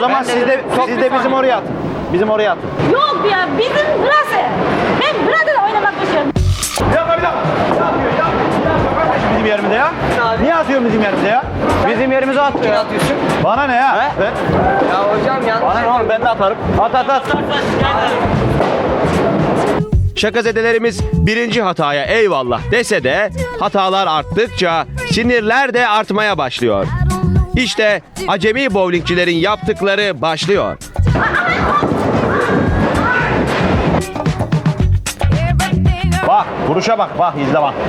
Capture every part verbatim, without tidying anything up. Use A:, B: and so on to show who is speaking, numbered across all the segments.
A: zaman siz de, siz de bizim oraya atın. Bizim oraya atın.
B: Yok ya bizim burası. Ben burada oynamak istiyorum.
A: Bir dakika bir dakika. Ne yapıyor ya? Bizim yerimizde ya. Niye atıyorsun bizim yerimizde ya? Bizim yerimize atıyor.
C: atıyorsun?
A: Bana ne ya?
C: He?
A: Ben...
C: Ya hocam yanlış.
A: Bana ne oğlum ben de atarım. At at at.
D: Şakazedelerimiz birinci hataya eyvallah dese de hatalar arttıkça sinirler de artmaya başlıyor. İşte acemi bowlingçilerin yaptıkları başlıyor.
A: Bak vuruşa bak bak izle bak.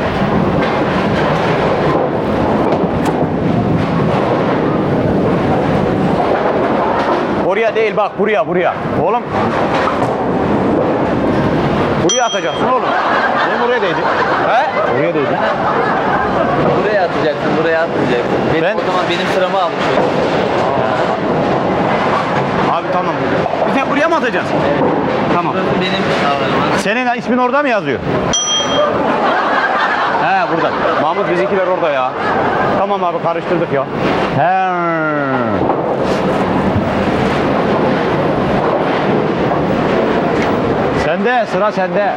A: Oraya değil bak buraya buraya. Oğlum. Buraya atacaksın oğlum. Benim oraya değdi. He? Oraya değdi.
C: Buraya atacaksın, buraya atmayacaksın. Benim,
A: Ben-
C: O zaman benim sıramı almış olur.
A: Abi tamam. Bir tek buraya mı atacaksın? Tamam.
C: Burası benim alanım.
A: Senin ismin orada mı yazıyor? He burada. Mahmut bizimkiler orada ya. Tamam abi karıştırdık ya. He. Sende sıra sende.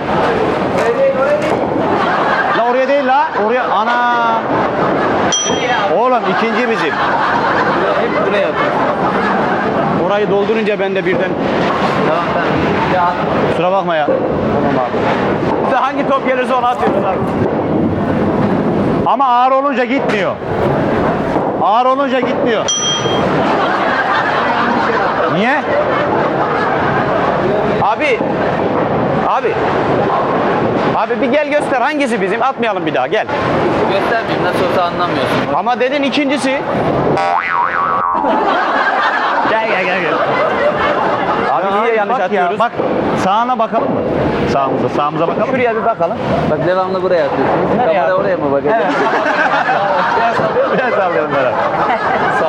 A: La oraya değil la. Oraya ana. Oğlum ikinci bizim.
C: Hep buraya atıyorsun.
A: Orayı doldurunca ben de birden
C: Tamam tamam. Bir daha at.
A: kusura bakma ya. Tamam abi. Size hangi top gelirse onu atıyoruz abi. Ama ağır olunca gitmiyor. Ağır olunca gitmiyor. Niye? Abi. Abi. Abi bir gel göster hangisi bizim? Atmayalım bir daha gel.
C: Göstermeyeyim, nasıl olsa anlamıyorsun.
A: Ama dedin ikincisi. Gel gel gel gel. Abi niye yanlış atıyoruz? Bak sağına bakalım mı? Sağımıza, sağımıza bakalım. Şuraya bir bakalım.
C: Bak devamlı buraya atıyorsun.
A: Nereye
C: Kamera
A: at-
C: oraya mı bakacak?
A: Evet. Biraz sallıyorum. Biraz sallıyorum Berat. Sağ ol.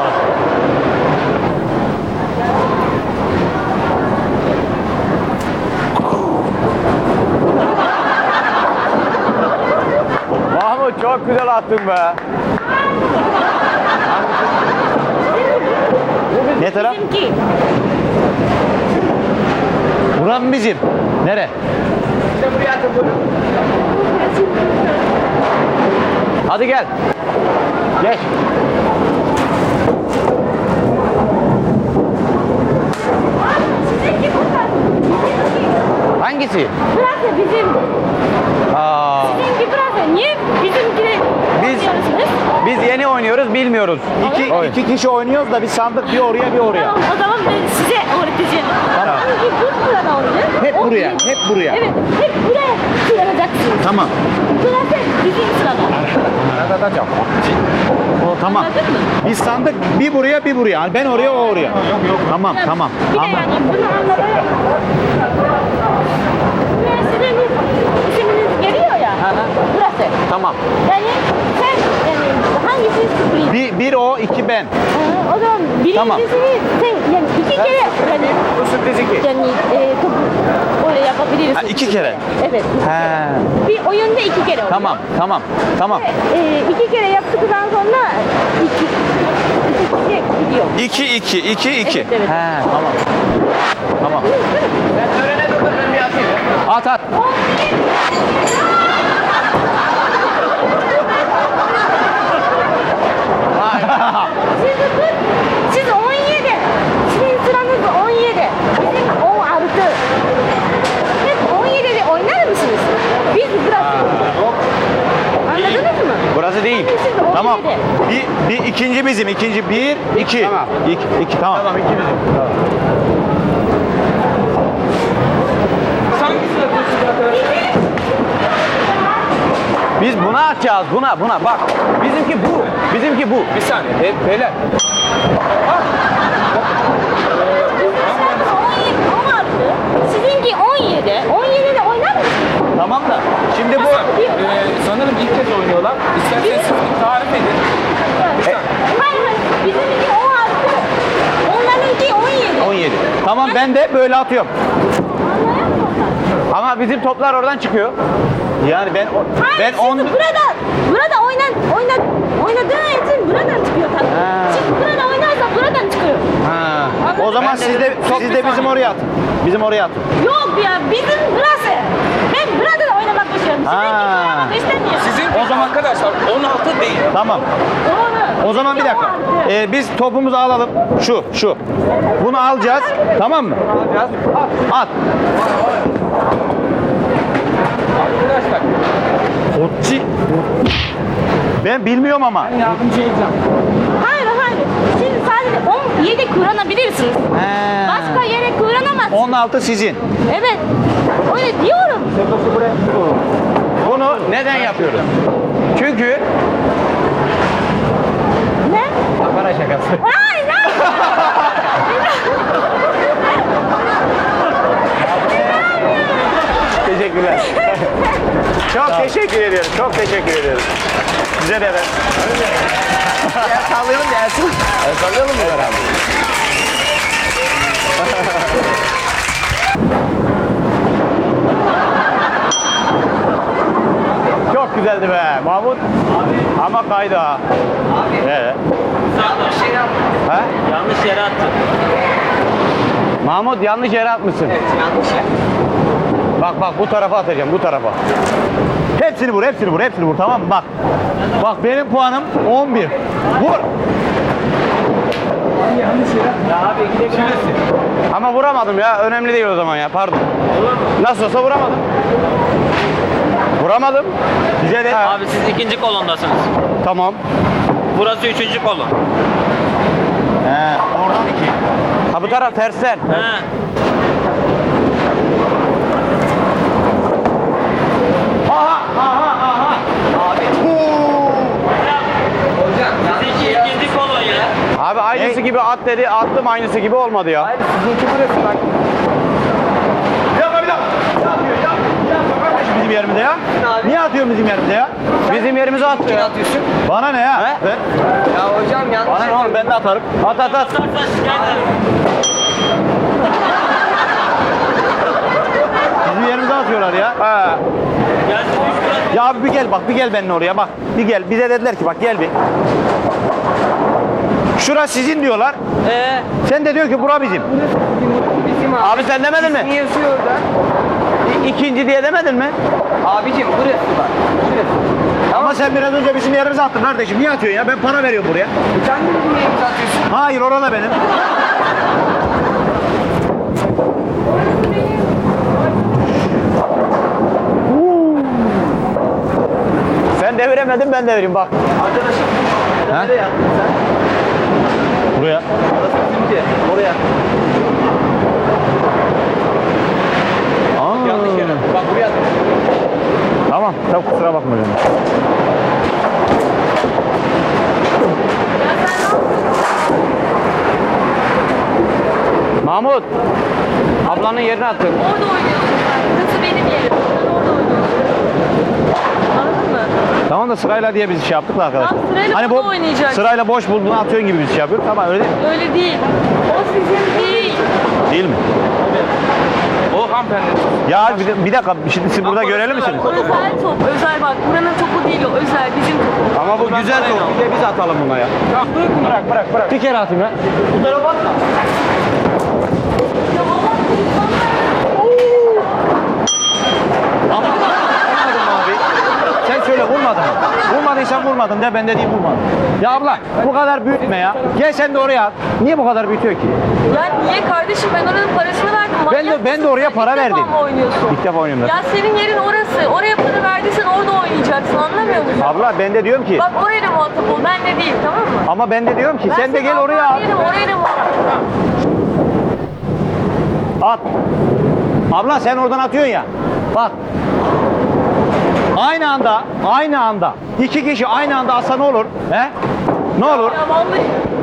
A: Mahmut çok güzel attın be. Ne taraf?
B: Bizimki.
A: Buran bizim. Nere?
C: İşte buraya atın buyurun.
A: Hadi gel. Geç.
B: Sizinki burada. Bizimki.
A: Hangisi?
B: Burası bizim.
A: Aa,
B: Sizinki burası. Niye bizimkini
A: Biz-
B: oynuyorsunuz?
A: biz yeni oynuyoruz bilmiyoruz. İki,
B: Öyle mi?
A: iki kişi oynuyoruz da bir sandık bir oraya bir oraya.
B: Tamam o zaman ben size öğreteceğim.
A: Tamam.
B: Hangi bu burada oynayacak?
A: Hep
B: O
A: buraya,
B: bizim.
A: hep buraya.
B: Evet, hep buraya sıralacaksınız.
A: Tamam.
B: Burası bizim sırada.
A: O tamam.
B: Anladın mı?
A: Biz sandık bir buraya bir buraya. Yani ben oraya o oraya. Yok yok. Tamam tamam.
B: Bir de
A: Ama
B: yani bunu anlamaya... Üniversiteniz isminiz geliyor ya.
A: Hı hı.
B: Burası.
A: tamam.
B: Yani sen yani hangisi sürpriz?
A: Bir, bir o iki ben.
B: Ee, o zaman birincisini
A: Tamam.
B: sen yani iki kere yani,
A: Bu sürpriz iki.
B: yani e, topu öyle yapabilirsin.
A: Ha, iki kere.
B: Evet. iki
A: He.
B: kere. Bir oyunda iki kere oluyor.
A: Tamam tamam tamam.
B: E, iki kere yaptıktan sonra iki, iki kişi gidiyor.
A: İki iki iki iki.
B: Evet, evet.
A: He tamam. Tamam.
C: Ben törene dur, ben bir atayım.
A: At at.
B: Siz, siz on yedi. Sizin sıranız on yedi. Bizim on altı. Hep on yedide oynar mısınız? Biz burası. Anladınız mı?
A: Burası değil.
B: Siz on
A: Tamam.
B: yedi.
A: Bir, bir ikinci bizim. İkinci bir iki. Tamam. İki, iki tamam. Tamam iki bizim.
C: Hangisini atıyorsun zaten?
A: Biz buna atacağız. Buna buna bak. Bizimki bu. Bizimki bu.
C: Bir saniye. He, beyler.
B: on yedi, on altı. Sizinki on yedi. on yedide oynar mısınız?
A: Tamam da. Şimdi bu
B: Bir-
C: Ee, sanırım ilk kez oynuyorlar. İsterseniz siz bir tarif edin.
B: Hayır hayır. Bizimki on altı. Onlarınki on yedi.
A: on yedi. Tamam ben de böyle atıyorum.
B: Anlayan mı?
A: Ama bizim toplar oradan çıkıyor. Yani ben o-
B: Hayır,
A: ben
B: siz
A: on
B: burada burada oynan oyna oynadığın için buradan çıkıyor tabii.
A: Ha.
B: Siz burada oynarsa buradan çıkıyor.
A: Ha. O zaman
C: Ben de
A: siz de,
C: çok
A: siz
C: bir
A: de bizim
C: saniye.
A: oraya atın. Bizim oraya atın.
B: Yok ya bizim burası. Ben burada da oynamak istiyorum.
A: Ha.
B: Sizinki oynamak istemiyorum.
C: Sizin o zaman arkadaşlar on altı değil.
A: Tamam.
B: Doğru.
A: O zaman bir dakika.
B: Bizimki
A: Ee, biz topumuzu alalım. Şu, şu. Bunu alacağız. Tamam mı?
C: Alacağız.
A: At.
C: Arkadaşlar
A: Otçi. Ben bilmiyorum ama.
C: yardımcı edeceğim.
B: Hayır hayır. Siz sadece on yedi kullanabilirsiniz.
A: He.
B: Başka yere kullanamazsınız.
A: on altı sizin.
B: Evet. Öyle diyorum.
A: Bunu neden yapıyoruz? Çünkü
B: Ne?
A: para şakası.
B: Hayır hayır.
A: Teşekkürler. Çok teşekkür ediyorum. Çok teşekkür ediyorum. Size de ben.
C: Ya sallayalım gelsin.
A: Sallayalım mı beraber? Çok güzeldi be Mahmut. Ama kaydı ha.
C: Abi.
A: Ee,
C: Yanlış şey yaptım.
A: ha?
C: Yanlış yere attım.
A: Mahmut yanlış yere atmışsın.
C: Evet yanlış yer.
A: Bak bak bu tarafa atacağım bu tarafa. Hepsini vur hepsini vur hepsini vur tamam mı? Bak. Bak benim puanım on bir. Vur.
C: Yanlış yere. Ya abi gidebilirsin.
A: Ama vuramadım ya. Önemli değil o zaman ya. Pardon. Nasıl olsa vuramadım. Vuramadım. Bize de.
E: Abi siz ikinci kolondasınız.
A: Tamam.
E: Burası üçüncü kolon.
A: He, oradan iki. Ha bu taraf tersten.
E: He.
A: Aha aha aha.
C: Abi. Hocam yanlış
E: Sizinki
C: yere.
E: ikinci kolon ya.
A: Abi aynısı
C: Ne?
A: gibi at dedi. Attım aynısı gibi olmadı ya.
C: Hayır sizinki burası bak.
A: Bir dakika bir dakika. Ne atıyor ya? Bir dakika kardeşim bizim yerimizde ya.
C: Abi.
A: Niye atıyorsun bizim yerimizde ya? Bizim yerimize
C: Kim
A: atıyor.
C: atıyorsun?
A: Bana ne ya?
C: He?
A: Ben,
C: Ya hocam yanlış
A: bana ne oğlum ben de atarım. At at at.
E: Atarsan şikayet ederim.
A: Bizim yerimize atıyorlar ya. Ha.
E: Gelsin üç burası.
A: Ya abi bir gel bak bir gel benimle oraya bak. Bir gel bize dediler ki bak gel bir. Şura sizin diyorlar.
C: Ee,
A: Sen de diyor ki bura bizim.
C: bizim abi.
A: Abi sen demedin mi?
C: İsmi yazıyor orada.
A: İ- İkinci diye demedin mi?
C: Abicim burası bak. Şurası.
A: Ama sen biraz önce bizim yerimize attın kardeşim. Niye atıyorsun ya? Ben para veriyorum buraya.
C: Sen de bizim yerimize atıyorsun.
A: Hayır orada benim. Sen deviremedin ben devireyim bak.
C: Arkadaşım.
A: Ha?
C: Nereye yattın sen?
A: Buraya.
C: Orası bizimki. Oraya.
A: Aa.
C: Yanlış yere. Bak buraya attın.
A: Tamam. Tamam kusura bakma canım. Mahmut. Ablanın yerine attın.
B: Orada oynuyorsun sen. Burası benim yerim. Sen orada oynuyorsun. Anladın mı?
A: Tamam da sırayla diye biz şey yaptık da arkadaşlar.
B: Tamam, sırayla
A: hani
B: bunu
A: bu
B: oynayacak.
A: sırayla boş bulduğunu atıyorsun gibi biz şey yapıyoruz. Tamam öyle değil mi?
B: Öyle değil. O sizin değil.
A: Değil mi?
C: O hanımefendi.
A: Ya bir, bir dakika şimdi siz burada göreli misiniz?
B: O özel top. Özel bak. Buranın topu değil o. Özel bizim topumuz.
A: Ama bu güzel top. Bir de biz atalım buna ya. Bırak bırak bırak. Bir kere atayım ya. Bu tarafa atma.
B: Ya Allah
A: Ama vurmadım abi. Sen söyle vurmadın mı? Vurmadıysan vurmadın de ben de diyeyim vurmadım. Ya abla bu kadar büyütme ya. Gel sen de oraya at. Niye bu kadar büyütüyor ki?
B: Ya niye kardeşim ben oranın parasını verdim.
A: Ben de-
B: Manyak
A: ben de
B: mısın
A: oraya
B: sen?
A: para
B: İlk
A: verdim.
B: defa mı oynuyorsun?
A: İlk defa oynuyorum ben.
B: Ya senin yerin orası. Oraya para verdiysen orada oynayacaksın. Anlamıyor musun?
A: Abla ben de diyorum ki
B: Bak oraya da muhatap ol. Ben de değil tamam mı?
A: ama ben de diyorum ki
B: Ben
A: sen de
B: senin
A: gel oraya
B: Allah'ın
A: at.
B: yerim, oraya da muhatap ol.
A: At. Abla sen oradan atıyorsun ya. Bak. Aynı anda, aynı anda iki kişi aynı anda atsa ne olur? He? Ne olur?
B: Ya vallahi.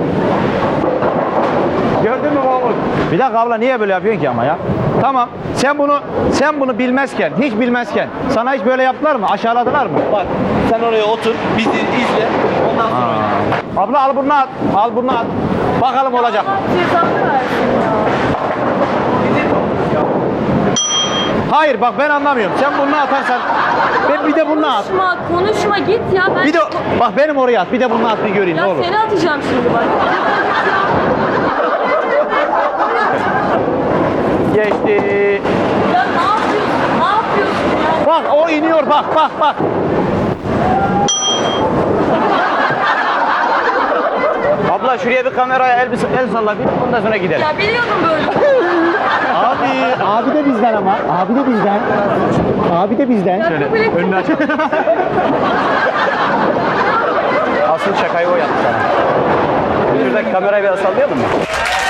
A: Gördün mü Mahmut? Bir dakika abla niye böyle yapıyorsun ki ama ya? Tamam. Sen bunu sen bunu bilmezken, hiç bilmezken sana hiç böyle yaptılar mı? Aşağıladılar mı?
C: Bak sen oraya otur. Bizi izle. Ondan sonra oyna.
A: Abla al bunu at. Al bunu at. Bakalım olacak mı?
B: Allah cezanı versin ya.
A: Hayır bak ben anlamıyorum. Sen bunu atarsan ben bir de bunu at.
B: Konuşma, konuşma git ya. Ben
A: Bir de bak benim oraya at. Bir de bunu at bir göreyim
B: ya
A: ne olur.
B: seni atacağım şimdi bak.
A: Geçti.
B: Ya ne yapıyorsun? Ne yapıyorsun ya?
A: Bak o iniyor bak bak bak. Abla şuraya bir kameraya el, el salla bir ondan sonra gidelim.
B: Ya biliyordum böyle.
A: Abi, abi de bizden ama. Abi de bizden. Abi de bizden.
B: Şöyle önünü
A: aç. Asıl şakayı o yaptı sana. Şuradaki kamerayı biraz sallayalım mı?